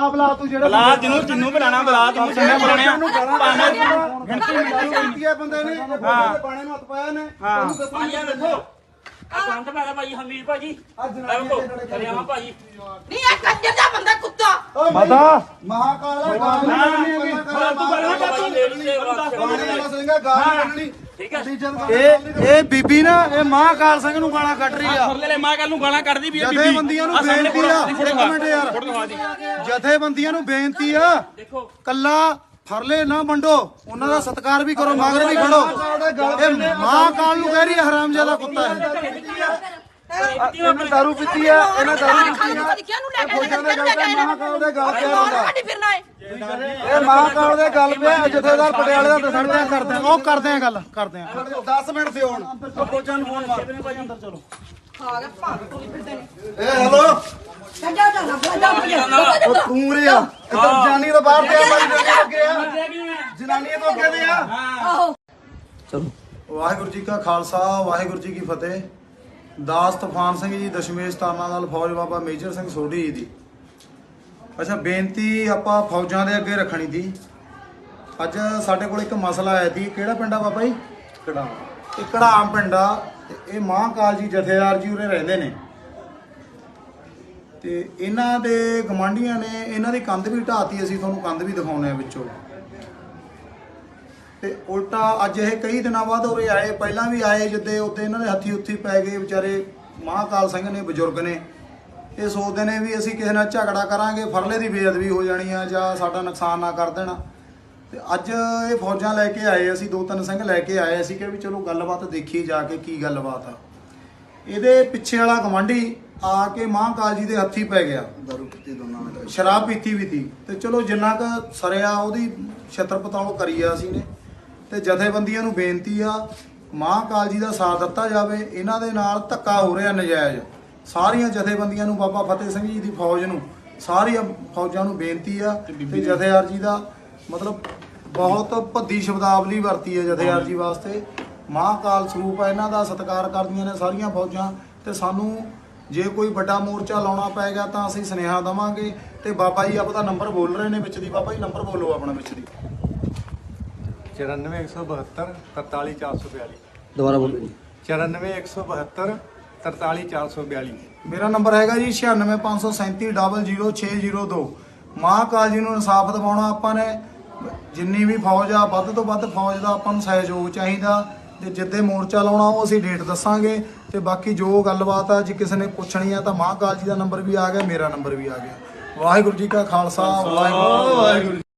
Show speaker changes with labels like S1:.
S1: ਬਲਾ ਤੂੰ ਜਿਹੜਾ
S2: ਬਲਾ ਜਿੰਨੂੰ ਬੁਲਾਣਾ ਬਲਾ ਤੂੰ ਜਿੰਨੇ ਬੁਲਾਣੇ ਆ
S1: ਗਿਣਤੀ ਮਿੱਟੀ ਹੈ ਬੰਦੇ ਨੇ ਬਾਣੇ ਨੂੰ ਹੱਥ ਪਾਇਆ ਨੇ ਤੈਨੂੰ ਦੱਸਾਂਗੇ ਦੇਖੋ
S2: ਕੰਧ ਪੈਣਾ ਭਾਈ ਹਮੀਰ ਭਾਜੀ ਹਰਿਆਣਾ ਭਾਜੀ
S3: ਨਹੀਂ ਇਹ ਕੰਜਰ ਦਾ ਬੰਦਾ ਕੁੱਤਾ
S1: ਮਾਤਾ ਮਹਾਕਾਲ ਇਹ ਬੀਬੀ ਨਾ ਇਹ ਮਹਾਕਾਲ ਸਿੰਘ ਨੂੰ ਗਾਲਾਂ ਕੱਢ ਰਹੀ ਆ
S2: ਫਰਲੇ ਮਹਾਕਾਲ ਨੂੰ ਗਾਲਾਂ ਕੱਢਦੀ ਵੀ ਬੀਬੀ
S1: ਜਥੇਬੰਦੀਆਂ ਨੂੰ ਬੇਨਤੀ ਆ ਇੱਕ ਮਿੰਟ ਯਾਰ ਜਥੇਬੰਦੀਆਂ ਨੂੰ ਬੇਨਤੀ ਆ
S2: ਦੇਖੋ
S1: ਕੱਲਾ ਫਰਲੇ ਨਾ ਵੰਡੋ ਉਹਨਾਂ ਦਾ ਸਤਿਕਾਰ ਵੀ ਕਰੋ ਮਗਰ ਵੀ ਖੜੋ ਇਹ ਮਹਾਕਾਲ ਨੂੰ ਕਹਿ ਰਹੀ ਹੈ ਹਰਾਮਜ਼ਾਦਾ ਕੁੱਤਾ ਹੈ ਇਹਨਾਂ ਦਾਰੂ ਪੀਤੀ ਆ ਇਹਨਾਂ ਦਾਰੂ ਪੀਤੀ ਆ ਇਹ ਫੌਜਾਂ ਦੇ ਗੱਲ ਤੇ ਮਹਾਕਾਲ ਦੇ ਗੱਲ ਪਿਆ ਬੰਦਾ ਇਹ ਮਹਾਕਾਲ ਦੇ ਗੱਲ ਪਿਆ ਜਥੇਦਾਰ ਪਟਿਆਲੇ ਦਾ ਦੱਸਣਦੇ ਆ ਕਰਦੇ ਆ ਉਹ ਕਰਦੇ ਆ ਗੱਲ ਕਰਦੇ ਆ 10 ਮਿੰਟ ਤੇ ਹੋਣ ਫੌਜਾਂ ਨੂੰ ਫੋਨ ਮਾਰ ਭਾਈ ਅੰਦਰ ਚਲੋ ਇਹ ਹੈਲੋ ਤੂੰ ਰੇ ਆ ਇੱਧਰ ਜਾਨੀ ਤੋਂ ਬਾਹਰ ਤੇ ਆ ਬਾਈ ਅੱਗੇ ਆ ਜਨਾਨੀਆਂ ਤੋਂ ਅੱਗੇ ਦੇ ਆ ਚਲੋ ਵਾਹਿਗੁਰੂ ਜੀ ਕਾ ਖਾਲਸਾ ਵਾਹਿਗੁਰੂ ਜੀ ਕੀ ਫਤਿਹ ਦਾਸ ਤੂਫਾਨ ਸਿੰਘ ਜੀ ਦਸ਼ਮੇਸ਼ ਤਾਨਾ ਨਾਲ ਫੌਜ ਬਾਬਾ ਮੇਜਰ ਸਿੰਘ ਸੋਢੀ ਦੀ ਅੱਛਾ ਬੇਨਤੀ ਆਪਾਂ ਫੌਜਾਂ ਦੇ ਅੱਗੇ ਰੱਖਣੀ ਦੀ ਅੱਜ ਸਾਡੇ ਕੋਲ ਇੱਕ ਮਸਲਾ ਆਇਆ ਸੀ ਕਿਹੜਾ ਪਿੰਡ ਆ ਬਾਬਾ ਜੀ ਕੜਾਮ ਇਹ ਕੜਾਮ ਪਿੰਡ ਆ ਤੇ ਇਹ ਮਹਾਕਾਲ ਜੀ ਜਥੇਦਾਰ ਜੀ ਉਰੇ ਰਹਿੰਦੇ ਨੇ ਤੇ ਇਹਨਾਂ ਦੇ ਗਵਾਂਢੀਆਂ ਨੇ ਇਹਨਾਂ ਦੀ ਕੰਧ ਵੀ ਢਾਤੀ ਅਸੀਂ ਤੁਹਾਨੂੰ ਕੰਧ ਵੀ ਦਿਖਾਉਣੇ ਆ ਵਿੱਚੋਂ ਤੇ ਉਲਟਾ ਅੱਜ ਇਹ ਕਈ ਦਿਨਾਂ ਬਾਅਦ ਉਰੇ ਆਏ ਪਹਿਲਾਂ ਵੀ ਆਏ ਜਿੱਦੇ ਉੱਤੇ ਇਹਨਾਂ ਦੇ ਹੱਥੀ ਉੱਥੀ ਪੈ ਗਏ ਵਿਚਾਰੇ ਮਹਾਕਾਲ ਸਿੰਘ ਨੇ ਬਜ਼ੁਰਗ ਨੇ ਇਹ ਸੋਚਦੇ ਨੇ ਵੀ ਅਸੀਂ ਕਿਸੇ ਨਾਲ ਝਗੜਾ ਕਰਾਂਗੇ ਫਰਲੇ ਦੀ ਬੇਅਦਬੀ ਹੋ ਜਾਣੀ ਆ ਜਾਂ ਸਾਡਾ ਨੁਕਸਾਨ ਨਾ ਕਰ ਦੇਣਾ ਤੇ ਅੱਜ ਇਹ ਫੌਜਾਂ ਲੈ ਕੇ ਆਏ ਅਸੀਂ 2-3 ਸਿੰਘ ਲੈ ਕੇ ਆਏ ਅਸੀਂ ਕਿ ਵੀ ਚਲੋ ਗੱਲਬਾਤ ਦੇਖੀਏ ਜਾ ਕੇ ਕੀ ਗੱਲਬਾਤ ਆ ਇਹਦੇ ਪਿੱਛੇ ਵਾਲਾ ਗਵਾਂਢੀ ਆ ਕੇ ਮਹਾਕਾਲ ਜੀ ਦੇ ਹੱਥੀ ਪੈ ਗਿਆ ਦਾਰੂ ਪੀਤੀ ਦੋਨਾਂ ਨੇ ਸ਼ਰਾਬ ਪੀਤੀ ਵੀ ਤੀ ਤੇ ਚਲੋ ਜਿੰਨਾ ਕੁ ਸਰਿਆ ਉਹਦੀ ਛਤਰ ਪਤਾਲ ਕਰੀ ਆ ਅਸੀਂ ਨੇ ਤੇ ਜਥੇਬੰਦੀਆਂ ਨੂੰ ਬੇਨਤੀ ਆ ਮਹਾਕਾਲ ਜੀ ਦਾ ਸਾਥ ਦਿੱਤਾ ਜਾਵੇ ਇਹਨਾਂ ਦੇ ਨਾਲ ਧੱਕਾ ਹੋ ਰਿਹਾ ਨਜਾਇਜ਼ ਸਾਰੀਆਂ ਜਥੇਬੰਦੀਆਂ ਨੂੰ ਬਾਬਾ ਫਤਿਹ ਸਿੰਘ ਜੀ ਦੀ ਫੌਜ ਨੂੰ ਸਾਰੀਆਂ ਫੌਜਾਂ ਨੂੰ ਬੇਨਤੀ ਆ ਤੇ ਜਥੇਦਾਰ ਜੀ ਦਾ ਮਤਲਬ ਬਹੁਤ ਭੱਦੀ ਸ਼ਬਦਾਵਲੀ ਵਰਤੀ ਹੈ ਜਥੇਦਾਰ ਜੀ ਵਾਸਤੇ ਮਹਾਕਾਲ ਸਰੂਪ ਹੈ ਇਹਨਾਂ ਦਾ ਸਤਿਕਾਰ ਕਰਦੀਆਂ ਨੇ ਸਾਰੀਆਂ ਫੌਜਾਂ ਤੇ ਸਾਨੂੰ ਜੇ ਕੋਈ ਵੱਡਾ ਮੋਰਚਾ ਲਾਉਣਾ ਪਏਗਾ ਤਾਂ ਅਸੀਂ ਸੁਨੇਹਾ ਦੇਵਾਂਗੇ ਤੇ ਬਾਬਾ ਜੀ ਆਪਦਾ ਨੰਬਰ ਬੋਲ ਰਹੇ ਨੇ ਵਿੱਚ ਦੀ ਬਾਬਾ ਜੀ ਨੰਬਰ ਬੋਲੋ ਆਪਣਾ ਵਿੱਚ ਦੀ
S4: 94 172 43442
S1: ਦੁਬਾਰਾ ਬੋਲੋ ਜੀ
S4: 94 172 43442
S1: ਮੇਰਾ ਨੰਬਰ ਹੈਗਾ ਜੀ 9657300602 ਮਹਾਕਾਲ ਜੀ ਨੂੰ ਇਨਸਾਫ ਦਿਵਾਉਣਾ ਆਪਾਂ ਨੇ ਜਿੰਨੀ ਵੀ ਫੌਜ ਆ ਵੱਧ ਤੋਂ ਵੱਧ ਫੌਜ ਦਾ ਆਪਾਂ ਨੂੰ ਸਹਿਯੋਗ ਚਾਹੀਦਾ ਤੇ ਜਿੱਦੇ ਮੋਰਚਾ ਲਾਉਣਾ ਉਹ ਅਸੀਂ ਡੇਟ ਦੱਸਾਂਗੇ ਤੇ ਬਾਕੀ ਜੋ ਗੱਲਬਾਤ ਆ ਜੇ ਕਿਸੇ ਨੇ ਪੁੱਛਣੀ ਆ ਤਾਂ ਮਹਾਕਾਲ ਜੀ ਦਾ ਨੰਬਰ ਵੀ ਆ ਗਿਆ ਮੇਰਾ ਨੰਬਰ ਵੀ ਆ ਗਿਆ ਵਾਹਿਗੁਰੂ ਜੀ ਕਾ ਖਾਲਸਾ ਵਾਹਿਗੁਰੂ